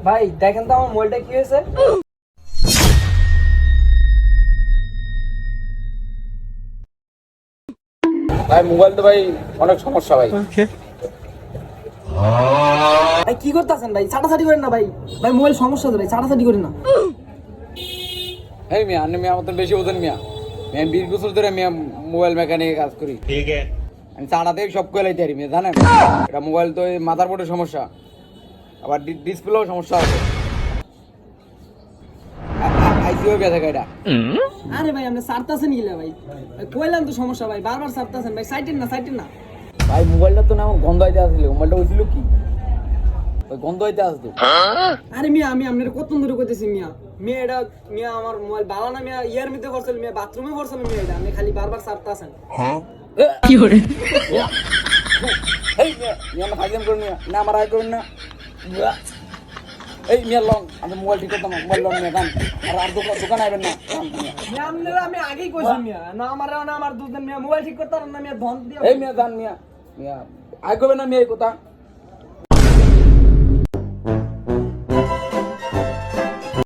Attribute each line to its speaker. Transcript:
Speaker 1: ভাই দেখেন তো আমার মোবাইলটা কি হয়েছে।
Speaker 2: ভাই মোবাইল তো ভাই অনেক সমস্যা ভাই।
Speaker 1: ভাই কি করতেছেন ভাই? ছাটাছাটি করেন না ভাই। ভাই মোবাইল সমস্যা আছে ভাই, ছাটাছাটি করেন না।
Speaker 2: এই মিয়া আপনি মিয়া মতন বেশি বোঝেন মিয়া। আমি 20 বছর ধরে মিয়া মোবাইল মেকানিকে কাজ করি। ঠিক আছে, আমি চাড়াতেই সব কইলাইতে পারি মিয়া, জানেন? এটা মোবাইল তো এই মাদার বোর্ডের সমস্যা, আবার ডিসপ্লেও সমস্যা আছে। আইসিও গেছে এটা।
Speaker 1: আরে ভাই আপনি ছাড়তাছেন গিলা ভাই? ভাই কইলাম তো সমস্যা ভাই, বারবার ছাড়তাছেন ভাই। সাইটেন না।
Speaker 2: ভাই মোবাইলটা তো না আমার গন্ধ হইতে আসছিল। মোবাইলটা হইছিল কি ওই গন্ধ হইতে আসতো।
Speaker 1: আরে মিয়া আমি আপনার কত দূরে কইতেছি মিয়া। মিয়া এটা মিয়া আমার মোবাইল বালা না মিয়া, ইয়ার মধ্যে করছিল মিয়া, বাথরুমে করছিল মিয়া। এটা আপনি খালি বারবার ছাড়তাছেন।
Speaker 2: কি করে এই মিয়া মিয়া আমার ফাইজাম করুন মিয়া, না আমার আয় করুন না। এই মিয়া লং আমি মোবাইল ঠিক করতাম, মোবাইল লং মিয়া গান আর দোকান আইবেন না।
Speaker 1: মিয়া আপনারা আমি আগেই কইছি মিয়া, না আমার দুজন মিয়া মোবাইল ঠিক করতে পারেন না মিয়া, ধন দিয়ে।
Speaker 2: এই মিয়া জান মিয়া মিয়া আয় করবেন না মিয়া এই কথা।